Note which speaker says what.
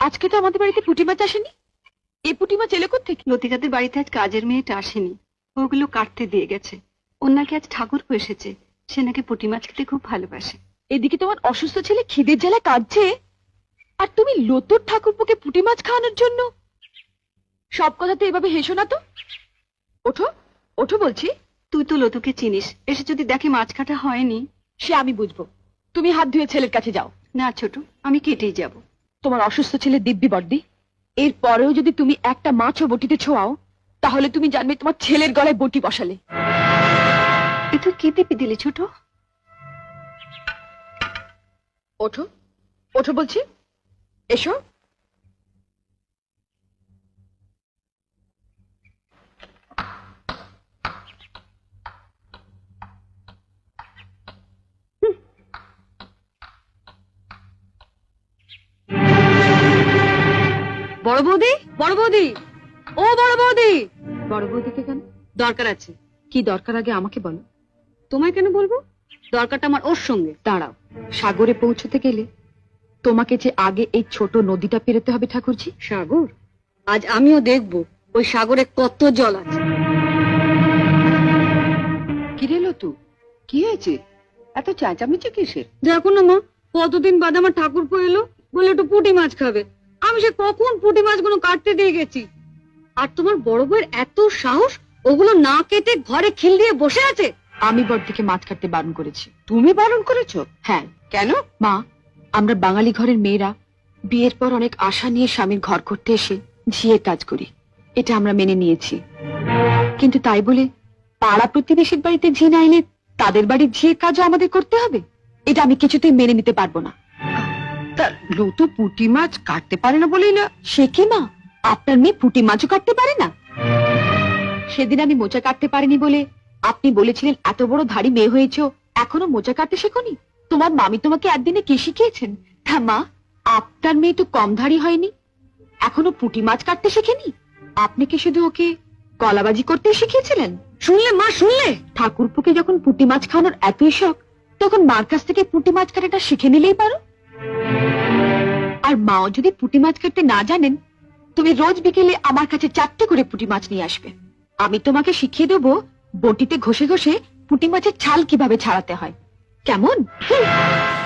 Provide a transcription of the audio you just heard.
Speaker 1: আজকে তো আমাদের বাড়িতে পুঁটি মাছ আসেনি। এই পুঁটি মাছ এলো কোত্থেকে?
Speaker 2: লতিকাদের বাড়িতে আজ কাজের মেয়েটা আসেনি, ওগুলো কাটতে দিয়ে গেছে। ওর নাকি আজ ঠাকুর এসেছে, সে নাকি পুঁটি মাছ খেতে খুব ভালোবাসে।
Speaker 1: এদিকে তোমার অসুস্থ ছেলে খিদের জ্বালায় কাঁদছে, আর তুমি লতুর ঠাকুরপোকে পুঁটি মাছ খাওয়ানোর জন্য। সব কথাতে এভাবে হেসো না তো। ওঠো ওঠো বলছি।
Speaker 2: তুই তো লতুকে চিনিস, এসে যদি দেখে মাছ কাটা হয়নি।
Speaker 1: সে আমি বুঝবো, তুমি হাত ধুয়ে ছেলের কাছে যাও।
Speaker 2: না ছোট, আমি কেটেই যাব।
Speaker 1: তোমার অসুস্থ ছেলে দিব্যি বর্দি, এর পরেও যদি তুমি একটা মাছও বটিতে ছোঁয়াও, তাহলে তুমি জানবে তোমার ছেলের গলায় বটি বসালে।
Speaker 2: এ তুই কি দিবি দিলি ছোট?
Speaker 1: ওঠো ওঠো বলছি, এসো।
Speaker 2: বড় বৌদি, বড় বৌদি, ও বড় বৌদি।
Speaker 1: বড় বৌদিকে কেন?
Speaker 2: দরকার আছে।
Speaker 1: কি দরকার আগে আমাকে বলো।
Speaker 2: তোমায় কেন বলবো? দরকারটা আমার ওর সঙ্গে।
Speaker 1: দাঁড়াও, সাগরে পৌঁছতে গেলে তোমাকে যে আগে এই ছোট নদীটা পেরোতে হবে ঠাকুরজি।
Speaker 2: সাগর? আজ আমিও দেখবো ওই সাগরে কত জল আছে।
Speaker 1: কি রে লতু, কি হয়েছে? এত চেঁচামেচি কিসের?
Speaker 2: দেখো না মা, কতদিন বাদে আমার ঠাকুরপো এলো, বলে একটু পুঁটি মাছ খাবে। আমি সে কখন পুঁটি মাছগুলো কাটতে দিয়ে গেছি, আর তোমার বড় বউয়ের এত সাহস, ওগুলো না কেটে ঘরে খিল দিয়ে বসে আছে।
Speaker 1: আমি বড়দিকে মাছ কাটতে বারণ করেছি।
Speaker 2: তুমি বারণ করেছো?
Speaker 1: হ্যাঁ।
Speaker 2: কেন?
Speaker 1: মা, আমরা বাঙালি ঘরের মেয়েরা বিয়ের পর অনেক আশা নিয়ে স্বামীর ঘর করতে এসে ঝিয়ের কাজ করি, এটা আমরা মেনে নিয়েছি। কিন্তু তাই বলে পাড়া প্রতিবেশীর বাড়িতে ঝি না এলে তাদের বাড়ির ঝিয়ের কাজও আমাদের করতে হবে? এটা আমি কিছুতেই মেনে নিতে পারবো না।
Speaker 2: তা লতু পুঁটি মাছ কাটতে পারে না বলেই না?
Speaker 1: সে কি মা, আপনার মেয়ে পুঁটি মাছও কাটতে পারে না? সেদিন আমি মোচা কাটতে পারিনি বলে আপনি বলেছিলেন এত বড় ধাড়ি মেয়ে হয়েছো, এখনো মোচা কাটতে শেখোনি? তোমার মামি তোমাকে একদিনে কি শিখিয়েছেন? হ্যাঁ মা, আপনার মেয়ে তো কম ধাড়ি হয়নি, এখনো পুঁটি মাছ কাটতে শেখেনি। আপনি কি শুধু ওকে কলাবাজি করতে শিখিয়েছিলেন?
Speaker 2: শুনলে মা, শুনলে?
Speaker 1: ঠাকুরপুকে যখন পুঁটি মাছ খাওয়ানোর এতই শখ, তখন মার কাছ থেকে পুঁটি মাছ কাটাটা শিখে নিলেই পারো। আর মাও যদি পুঁটি মাছ কাটতে না জানেন, তুমি রোজ বিকেলে আমার কাছে 4টে করে পুঁটি মাছ নিয়ে আসবে। আমি তোমাকে শিখিয়ে দেবো বটিতে ঘষে ঘষে পুঁটি মাছের ছাল কিভাবে ছাড়াতে হয়। কেমন?